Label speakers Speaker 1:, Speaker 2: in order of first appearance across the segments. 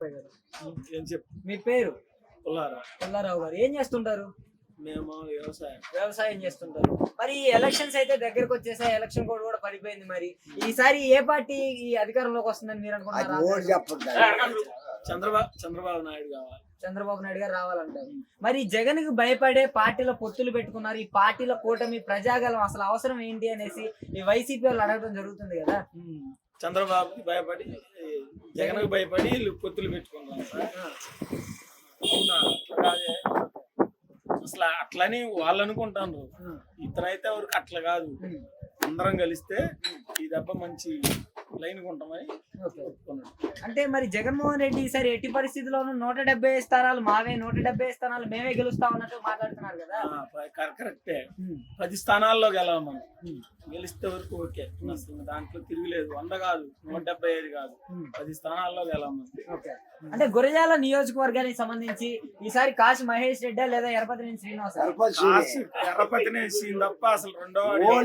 Speaker 1: పుల్లారావు గారు.
Speaker 2: ఏం చెప్పు.
Speaker 1: మీ పేరు?
Speaker 2: పుల్లారావు
Speaker 1: గారు. ఏం చేస్తుంటారు?
Speaker 2: మేము
Speaker 1: వ్యవసాయం చేస్తుంటారు. మరి ఎలక్షన్స్ అయితే దగ్గరకు వచ్చేసాయి, ఎలక్షన్ కోడ్ కూడా పడిపోయింది. మరి ఈసారి ఏ పార్టీ ఈ అధికారంలోకి వస్తుందని మీరు అనుకుంటున్నారు?
Speaker 2: చంద్రబాబు నాయుడు కావాలి.
Speaker 1: చంద్రబాబు నాయుడు గారు రావాలంటారు. మరి జగన్ కి భయపడే పార్టీల పొత్తులు పెట్టుకున్నారు. ఈ పార్టీల కూటమి ప్రజాగలం అసలు అవసరం ఏంటి అనేసి ఈ వైసీపీ వాళ్ళు అడగడం జరుగుతుంది కదా.
Speaker 2: చంద్రబాబుకి భయపడి జగన్ కి భయపడి వీళ్ళు పొత్తులు పెట్టుకున్నారు. అసలు అట్లని వాళ్ళు అనుకుంటారు. ఇతనైతే ఎవరికి అట్లా కాదు. అందరం కలిస్తే ఈ దెబ్బ మంచి లైన్ కొంటామని ఒప్పుకున్నాడు.
Speaker 1: అంటే మరి జగన్మోహన్ రెడ్డి ఈసారి ఎట్టి పరిస్థితుల్లోనూ 170 స్థానాలు మావే, 170 స్థానాలు మేమే గెలుస్తాం అన్నట్టు మాట్లాడుతున్నారు కదా.
Speaker 2: కరెక్టే. 10 స్థానాల్లో గెలవాలి మనం. గెలిస్తే వరకు ఓకే. అసలు దాంట్లో తిరిగిలేదు. 100 కాదు, 175 కాదు, 10 స్థానాల్లో గెలవాలి.
Speaker 1: అంటే గురజాల నియోజకవర్గానికి సంబంధించి ఈసారి కాశీ మహేష్ రెడ్డి లేదా ఎర్రపతినేని శ్రీనివాస్?
Speaker 2: ఎర్రపతినేని శ్రీనివాస్ తప్ప అసలు రెండో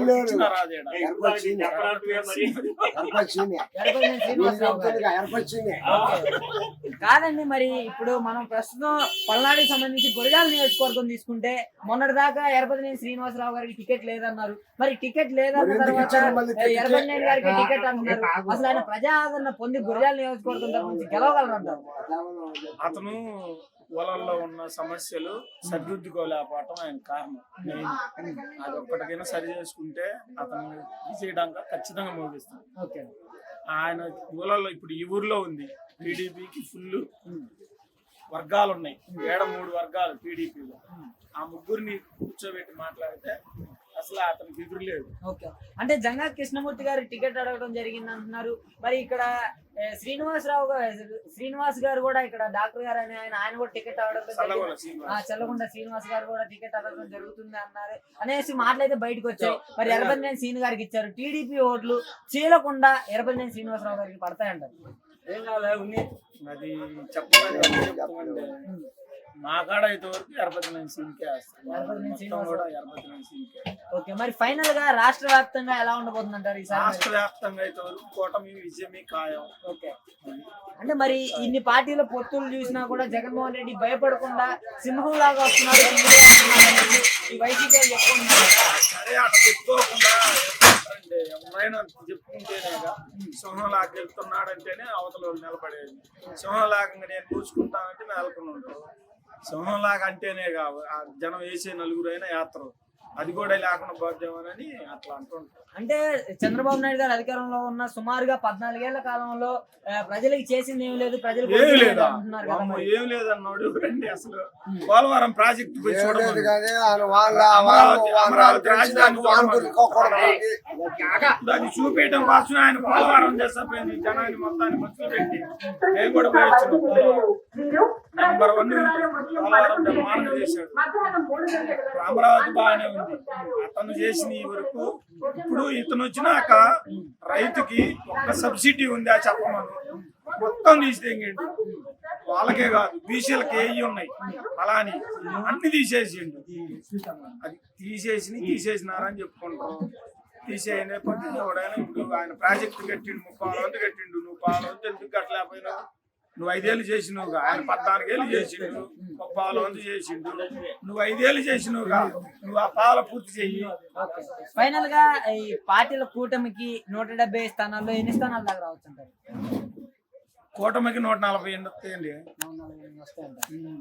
Speaker 1: కాదండి. మరి ఇప్పుడు మనం ప్రస్తుతం పల్నాడుకి సంబంధించి గురజాల నియోజకవర్గం తీసుకుంటే మొన్నటి దాకా ఎర్రపతినేని శ్రీనివాసరావు గారికి టికెట్ లేదన్నారు. మరి టికెట్ లేదన్న తర్వాత ఎర్రపతినేని గారికి టికెట్ అంటున్నారు. అసలు ఆయన ప్రజా ఆదరణ పొంది గురజాల నియోజకవర్గం తరఫు నుంచి గెలవగలరంటారు.
Speaker 2: అతను పొలంలో ఉన్న సమస్యలు సరిదిద్దుకోలేకపోవటం ఆయన కారణం. అది ఒక్కటికైనా సరి చేసుకుంటే అతను విజయడంగా ఖచ్చితంగా మోగిస్తాడు. ఆయన ఊళ్ళలో ఇప్పుడు ఈ ఊర్లో ఉంది టీడీపీకి ఫుల్ వర్గాలు ఉన్నాయి. 3 వర్గాలు టీడీపీలో. ఆ ముగ్గురిని కూర్చోబెట్టి మాట్లాడితే అసలు అతనికి ఎదురులేదు.
Speaker 1: అంటే జంగా కృష్ణమూర్తి గారు టికెట్ అడగడం జరిగింది అంటున్నారు. మరి ఇక్కడ శ్రీనివాస్ గారు కూడా ఇక్కడ డాక్టర్ గారు అని ఆయన కూడా టికెట్ అడగడం, చల్లగుండ శ్రీనివాస్ గారు కూడా టికెట్ అడగడం జరుగుతుంది అన్నారు అనేసి మాటలైతే బయటకు వచ్చాయి. మరి ఎర్రపతినేని శ్రీను గారికి ఇచ్చారు. టీడీపీ ఓట్లు చీలకుండా ఎర్రపతినేని శ్రీనివాసరావు గారికి పడతాయంటారు.
Speaker 2: ఏం కావాలి అది చెప్పండి. మా కాడ అయితే వరకు ఎర్రపతినేని శ్రీనికే
Speaker 1: ఓకే. మరి ఫైనల్ గా రాష్ట్ర వ్యాప్తంగా ఎలా ఉండబోతుంది అంటారు?
Speaker 2: రాష్ట్ర వ్యాప్తంగా అయితే వరకు కూటమి విజయమే ఖాయం.
Speaker 1: ఓకే. అంటే మరి ఇన్ని పార్టీల పొత్తులు చూసినా కూడా జగన్మోహన్ రెడ్డి భయపడకుండా సింహం లాగా వస్తున్నారు ఈ వైసీపీ చెప్పుకుంటున్నారు.
Speaker 2: సరే అట్లా చెప్పుకోకుండా ఎవరైనా చెప్పుకుంటేనేగా సింహంలాగా వెళ్తున్నాడంటేనే అవతల వాళ్ళు నిలబడేది. సింహంలాగా నేను కూర్చుకుంటానంటే నెలకొని ఉంటావు. సింహంలాగా అంటేనే కావు జనం వేసే 4 అయినా యాత్ర అది కూడా లేకుండా పోద్దామని అట్లా అంటుంటారు.
Speaker 1: అంటే చంద్రబాబు నాయుడు గారు అధికారంలో ఉన్న సుమారుగా 14 ఏళ్ల కాలంలో ప్రజలకు చేసింది ఏం లేదు, ప్రజలు
Speaker 2: ఏం లేదన్నాడు. రండి అసలు పోలవరం ప్రాజెక్టు అమరావతి రాజధాని అది చూపించడం కోసం ఆయన పోలవరం చేసపోయింది. జనాన్ని మొత్తాన్ని మనుషులు పెట్టి నేను కూడా నెంబర్ 1 పోలవరం నిర్మాణం చేశాడు. అమరావతి బాగానే ఉంది. అతను చేసిన ఈ వరకు ఇప్పుడు ఇతను వచ్చినాక రైతుకి ఒక్క సబ్సిడీ ఉందా చెప్పమను మొత్తం తీసేయండి. వాళ్ళకే కాదు బీసీలకి ఏవి ఉన్నాయి అలా అని అన్ని తీసేసిండు. అది తీసేసినారని చెప్పుకుంటాం. తీసేయనే కొద్ది ఎవడైనా ఇప్పుడు ఆయన ప్రాజెక్టు కట్టిండు 30 కట్టిండు. నువ్వు 5 ఎందుకు కట్టలేకపోయినా? నువ్వు 5 ఏళ్ళు చేసినవుగా. ఆయన 14 ఏళ్ళు చేసిండు. 30 చేసిండు. నువ్వు 5 ఏళ్ళు చేసినవుగా. నువ్వు ఆ పాల పూర్తి చెయ్యి.
Speaker 1: ఫైనల్ గా ఈ పార్టీల కూటమికి 170 స్థానాల్లో ఎన్ని స్థానాల దాకా రావచ్చు అంటారు?
Speaker 2: కూటమికి 140 వస్తాయండి.